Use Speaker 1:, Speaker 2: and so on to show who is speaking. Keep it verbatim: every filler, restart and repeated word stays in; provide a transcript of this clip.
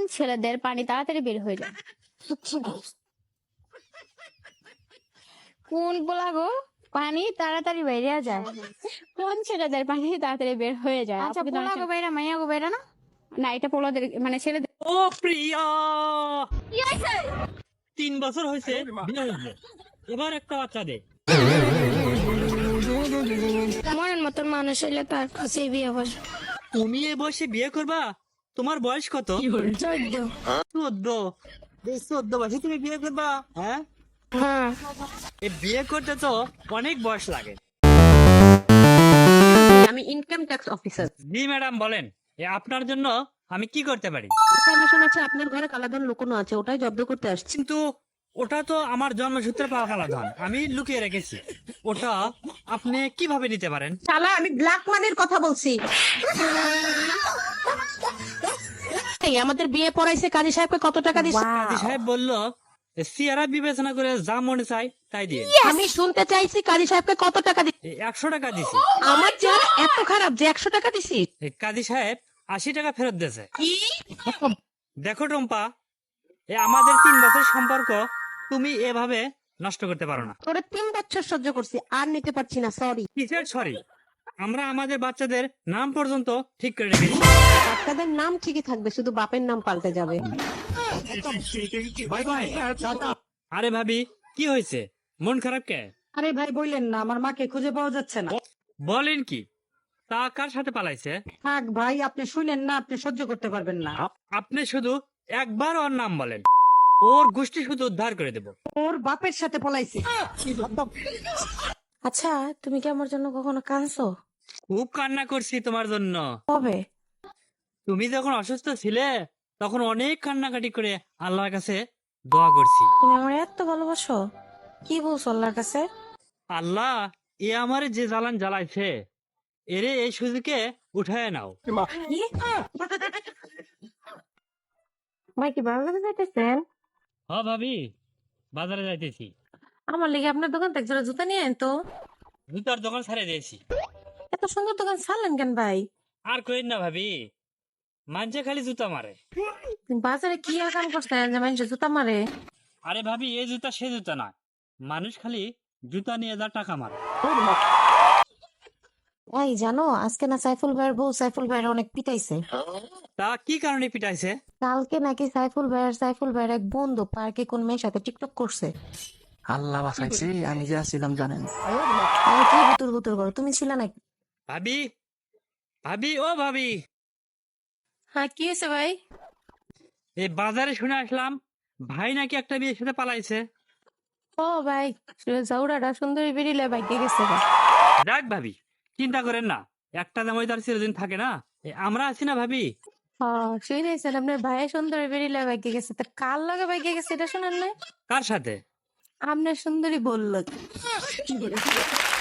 Speaker 1: ছেলেদের পানি তাড়াতাড়ি বের হয়ে যায়? কোন বলা গো পানি তাড়াতাড়ি বেরিয়ে যায়? কোন ছেলেদের পানি তাড়াতাড়ি বের হয়ে যায়?
Speaker 2: আচ্ছা
Speaker 1: আপু কি
Speaker 2: পোলা
Speaker 1: জানেন?
Speaker 2: গো বাইরা মাইয়া গো বাইরা না?
Speaker 1: না, এটা পোলাদের মানে ছেলেদের।
Speaker 3: ও প্রিয়া, তিন বছর হয়েছে বিয়ে হয়েছে, এবার একটা বাচ্চা দে।
Speaker 2: মনের মতন মানুষ হইলে তার কাছে বিয়ে বসে।
Speaker 3: তুমি এই বয়সে বিয়ে করবা? তোমার বয়স কত?
Speaker 2: চোদ্দ।
Speaker 3: চোদ্দ? এই চোদ্দ বয়সে তুমি বিয়ে করবা? হ্যাঁ,
Speaker 2: হ্যাঁ
Speaker 3: এই বিয়ে করতে তো অনেক বয়স লাগে।
Speaker 4: আমি ইনকাম ট্যাক্স অফিসার।
Speaker 3: জি ম্যাডাম বলেন, এ আপনার জন্য আমি কি করতে পারি?
Speaker 4: ইনফরমেশন আছে আপনার ঘরে কালাধন লুকোনো আছে, ওটাই জব্দ করতে আসছি।
Speaker 3: কিন্তু ওটা তো আমার জন্মসূত্রে পাওয়া কালাধন, আমি লুকিয়ে রেখেছি। ওটা আপনি কিভাবে নিতে পারেন?
Speaker 4: শালা আমি ব্ল্যাক মানির কথা বলছি। এই আমাদের বিয়ে পড়াইছে, কাজী সাহেবকে কত টাকা দিচ্ছে?
Speaker 3: কাজী সাহেব বলল সিয়ারা বিবেচনা করে যা মনে চাই তাই দিয়ে।
Speaker 4: আমি শুনতে চাইছি কাজী সাহেবকে কত টাকা দিচ্ছে?
Speaker 3: একশো টাকা দিছি।
Speaker 4: আমার চেহারা এত খারাপ যে একশো টাকা দিছি?
Speaker 3: এ কাজী সাহেব আশি টাকা ফেরত দিয়েছে।
Speaker 4: কি?
Speaker 3: দেখো টম্পা, এ আমাদের তিন বছর সম্পর্ক তুমি এভাবে নষ্ট করতে পারো না।
Speaker 4: তোরে তিন বছর সহ্য করছি, আর নিতে পারছি না, সরি।
Speaker 3: কিসের সরি? আমরা আমাদের বাচ্চাদের নাম পর্যন্ত ঠিক করে রেখেছি।
Speaker 4: বাচ্চাদের নাম ঠিকই থাকবে, শুধু বাপের নাম পাল্টে যাবে।
Speaker 3: আরে ভাবি, কি হয়েছে? মন খারাপ কে?
Speaker 5: আরে ভাই বললেন না, আমার মাকে খুঁজে পাওয়া যাচ্ছে না।
Speaker 3: বলেন কি? তা কার সাথে পালাইছে?
Speaker 5: থাক ভাই, আপনি শুনেন না, আপনি সহ্য করতে পারবেন না।
Speaker 3: আপনি শুধু একবার ওর নাম বলেন, ওর গোষ্ঠী শুধু উদ্ধার করে দেব।
Speaker 5: ওর বাপের সাথে পলাইছে।
Speaker 2: আচ্ছা তুমি কি আমার জন্য কখনো কাঁদছো?
Speaker 3: খুব কান্না করছি তোমার জন্য।
Speaker 2: কবে?
Speaker 3: তুমি যখন অসুস্থ ছিলে তখন অনেক কান্নাকাটি করে আল্লাহর কাছে দোয়া করছি।
Speaker 2: তুমি আমার এত ভালোবাসো? কি বলছো আল্লাহর কাছে?
Speaker 3: আল্লাহ, এ আমারে যে জ্বালান জ্বালাইছে, এরে এই সুযোগে উঠায় নাও।
Speaker 2: কি? ভাই কি বাজারে যাইতেছেন?
Speaker 3: হ ভাবি, বাজারে যাইতেছি।
Speaker 2: আমার লেগে আপনার দোকান থেকে জোড়া জুতা নিয়ে আইন তো।
Speaker 3: জুতার দোকান ছাড়ে দিয়েছি।
Speaker 2: এত সুন্দর দোকান ছাড়লেন কেন ভাই?
Speaker 3: আর কইন না ভাবি, মানছে খালি জুতা মারে।
Speaker 2: তুমি বাজারে কি আর কাম করছেন যে মানুষ জুতা মারে?
Speaker 3: আরে ভাবি, এই জুতা সে জুতা না, মানুষ খালি জুতা নিয়ে যা টাকা মারে।
Speaker 2: এই জানো আজকে না সাইফুল ভাইয়ের বউ সাইফুল ভাইয়ের অনেক পিটাইছে।
Speaker 3: তা কি কারণে পিটাইছে?
Speaker 2: কালকে নাকি সাইফুল ভাইয়ের সাইফুল ভাইয়ের এক বন্ধু পার্কে কোন মেয়ের সাথে টিকটক করছে।
Speaker 6: আল্লাহ বাঁচাইছে, আমি যা ছিলাম জানেন।
Speaker 2: আরে কি বুতুর বুতুর করো, তুমি ছিলে নাকি?
Speaker 3: ভাবি, ভাবি ও ভাবি,
Speaker 2: হ্যাঁ কি হয়েছে ভাই?
Speaker 3: এই বাজারে শুনে আসলাম ভাই নাকি একটা বিয়ের সাথে পালাইছে।
Speaker 2: ও ভাই, জাউরাটা সুন্দরী বেরিলে ভাগ্যে গেছে গা।
Speaker 3: দেখ ভাবি, চিন্তা করেন না, একটা জামাই তার চিরদিন থাকে না, এ আমরা আছি না ভাবি।
Speaker 2: হ্যাঁ শুনেছেন আপনার ভাই সুন্দরী বেরিলে ভাগ্যে গেছে, তা কার লগে ভাগ্যে গেছে এটা শুনেন না?
Speaker 3: কার সাথে?
Speaker 2: আপনার সুন্দরী বললো।